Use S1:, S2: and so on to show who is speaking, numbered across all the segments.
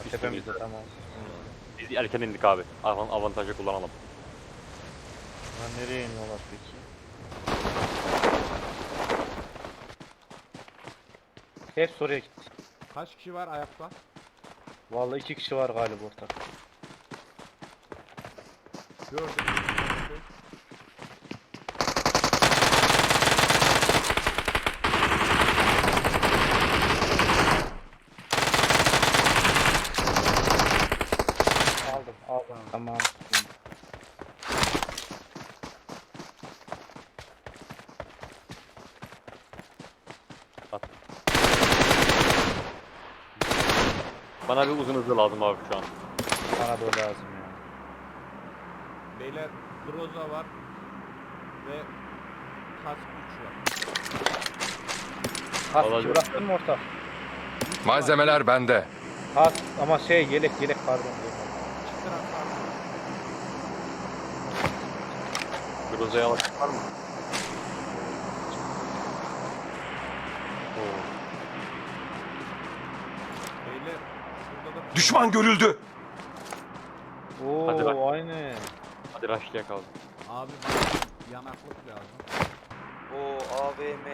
S1: Tepemizde tamam.
S2: Biz erken indik abi. Avantajı kullanalım.
S1: Lan nereye iniyorlar peki? Hep oraya gitti.
S3: Kaç kişi var ayakta?
S1: Vallahi 2 kişi var galiba ortak.
S3: Gördüm.
S1: Aldım. Tamam.
S2: Bana bir uzun hızlı lazım abi şu an.
S1: Bana da o lazım ya.
S3: Beyler Groza var ve Kask 3 var.
S1: Kask
S2: Vallahi
S1: bıraktın mı ortak?
S4: Malzemeler bende.
S1: Kask ama yelek pardon.
S3: Çıktı raklar.
S2: Groza'ya alışık var mı? Oo.
S3: Beyler şurada da
S4: Düşman görüldü.
S2: Hadi bak.
S1: Oo aynı.
S2: Hadi rush'layak abi.
S3: abi bana yanaklık lazım.
S5: O AVM.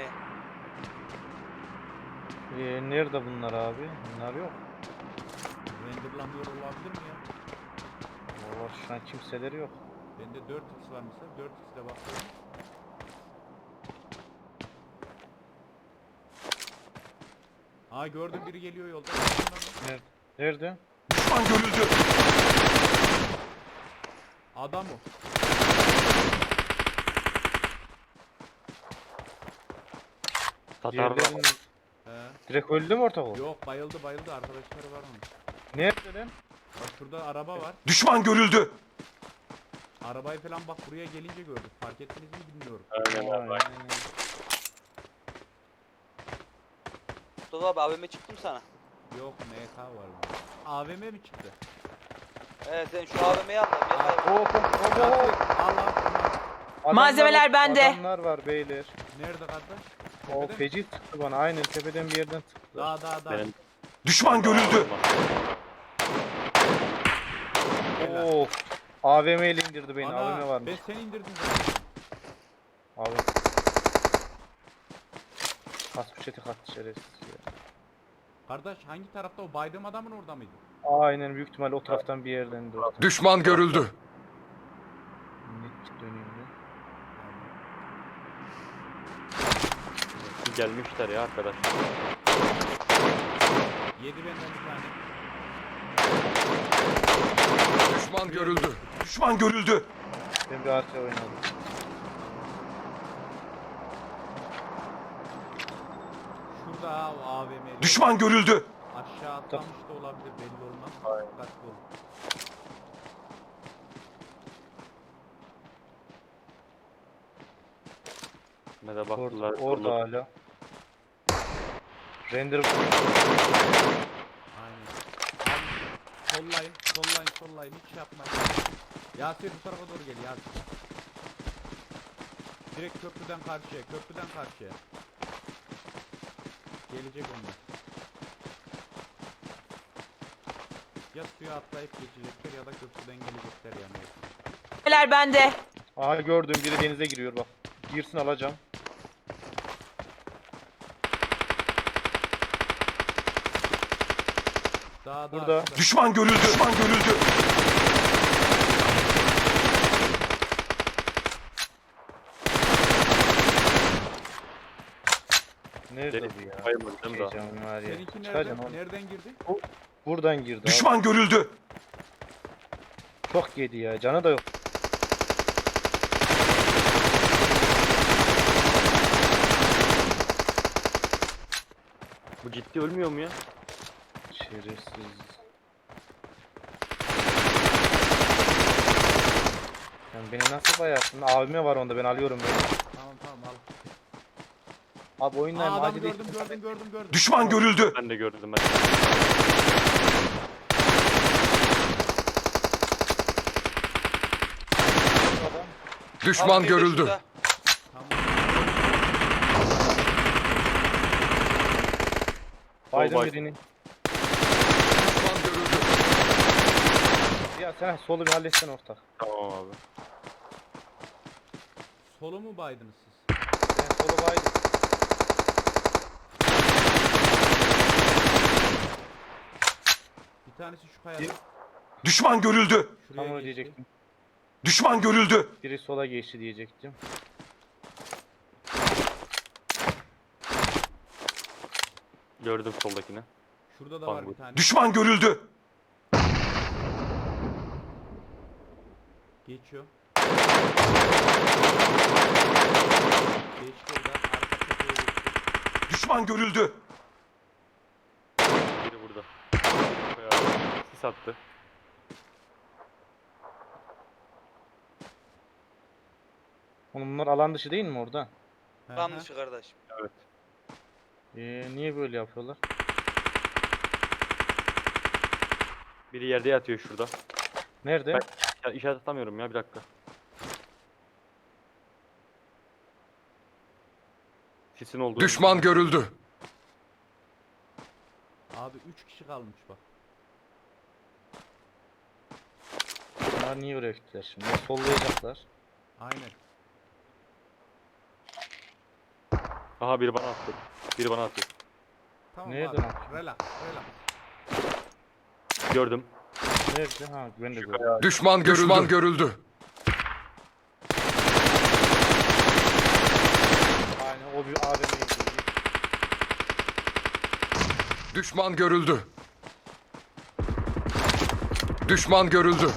S1: Nerede bunlar abi? Bunlar yok.
S3: Renderlanıyor olabilir mi ya?
S1: Vallahi şu an kimseleri yok.
S3: Bende 4x var mesela. 4x'le bakıyorum. Aa gördüm biri geliyor yolda.
S1: Nerede?
S4: Düşman görüldü.
S3: Adam o.
S2: Tatar
S1: Diğerlerin
S3: He.
S1: direkt öldü mü ortak o?
S3: Yok bayıldı arkadaşları var onun.
S1: Nerede lan?
S3: Bak şurada araba var.
S4: Düşman görüldü.
S3: Arabayı falan bak buraya gelince gördük. Fark ettiniz mi bilmiyorum.
S2: Aynen abi.
S5: Mustafa abi AVM çıktım sana.
S3: Yok MK var burada. AVM mi çıktı?
S5: Evet sen şu AVM'yi al da bir hayvan.
S1: Hop.
S3: Yasir al al.
S1: Adamlar
S6: Malzemeler
S1: var,
S6: bende.
S1: Adamlar var beyler.
S3: Nerede kardeş?
S1: O
S3: Tepede mi?
S1: feci çıktı bana. Aynen tepeden bir yerden çıktı.
S3: Daha.
S2: Benim
S4: Düşman görüldü.
S3: Helal.
S1: Oo. AVM ile indirdi beni.
S3: Ana,
S1: AVM varmış.
S3: ben seni indirdim zaten.
S1: Abi. Kas poşeti kattı şerefsiz ya.
S3: Kardeş hangi tarafta o baydığım adamın orada mıydı?
S1: Aynen büyük ihtimalle o taraftan bir yerden de ortak.
S4: Düşman görüldü.
S1: Net dönüyor ya.
S2: gelmişler ya arkadaş.
S3: Yedi benden bir tane.
S4: Düşman görüldü. Düşman görüldü.
S1: Ben bir arkaya oynadım.
S3: Şurada ha o AVM'li.
S4: Düşman görüldü.
S3: Aşağı atlamış da olabilir belli olmaz.
S2: Aynen.
S3: Dikkatli olun.
S2: Ne de baktılar.
S1: Orada hala. Render
S3: Aynen. Abi, sollayın hiç şey yapmayın. Yasir bu tarafa doğru gel Yasir. Direkt köprüden karşıya. Gelecek onlar. Ya suya atlayıp geçecekler ya da köprüden gelecekler yani.
S6: Malzemeler bende.
S1: Aha gördüm biri denize giriyor bak. Girsin alacağım.
S3: Daha
S1: Burada.
S4: Düşman görüldü. Düşman görüldü.
S1: Nerede bu ya?
S2: Bayılmadım da.
S1: Heyecanım var ya.
S3: Seninki
S1: Çıkacağım oğlum.
S3: nereden girdi?
S1: Buradan girdi abi.
S4: Düşman görüldü.
S1: Çok yedi ya. Canı da yok.
S2: Bu ciddi ölmüyor mu ya?
S1: Şerefsiz. Sen beni nasıl bayarsın? AVM var onda ben alıyorum beni.
S3: Tamam al.
S1: Abi oyundan
S3: Aa, adamı
S1: acil
S3: gördüm.
S4: Düşman görüldü.
S2: Ben de gördüm ben.
S1: adam.
S4: Düşman
S5: Abi, bir de
S4: görüldü.
S5: şurada.
S3: Tamam.
S1: Baydım
S2: Sol bay.
S1: birini.
S4: Düşman görüldü.
S1: Ya sen solu bir halletsen ortak.
S2: Tamam abi.
S3: Solu mu baydınız siz?
S1: Ben solu baydım.
S3: Bir tanesi şu kayada.
S1: Bir-
S4: Düşman görüldü.
S3: Şuraya
S1: Tam onu
S3: geçti.
S1: diyecektim.
S4: Düşman görüldü.
S1: Biri sola geçti diyecektim.
S2: Gördüm soldakini.
S3: Şurada da
S2: Bak
S3: var
S2: bu.
S3: bir tane.
S4: Düşman görüldü.
S3: Geçiyor. Geçti orada. Arka tepeye geçti.
S4: Düşman görüldü.
S2: Biri burada. Bayağı sis attı.
S1: Oğlum bunlar alan dışı değil mi orada?
S3: Hı hı.
S5: Tam dışı kardeş.
S2: Evet.
S1: Niye böyle yapıyorlar?
S2: Biri yerde yatıyor şurada.
S1: Nerede?
S2: Ya işaret atamıyorum ya, bir dakika. Sisin olduğu.
S4: Düşman görüldü.
S3: Abi 3 kişi kalmış bak.
S1: Bunlar niye oraya gittiler şimdi? Ya sollayacaklar.
S3: Aynen.
S2: Aha, biri bana attı. Biri bana atıyor.
S3: Tamam
S1: Nereden
S3: abi.
S1: atıyor?
S3: Relax. Relax.
S2: Gördüm.
S1: Nerede? Ha ben de
S2: Şu
S1: gördüm.
S2: kaya.
S4: Düşman görüldü. Düşman görüldü.
S1: Aynen o bir AVM'ye gidiyor.
S4: Düşman görüldü. Düşman görüldü.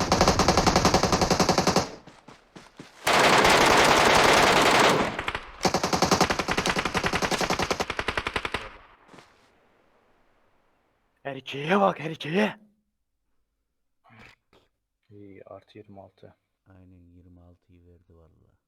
S2: Erkeğe bak, erkeğe.
S1: İyi, artı 26.
S3: Aynen 26'yı verdi vallahi.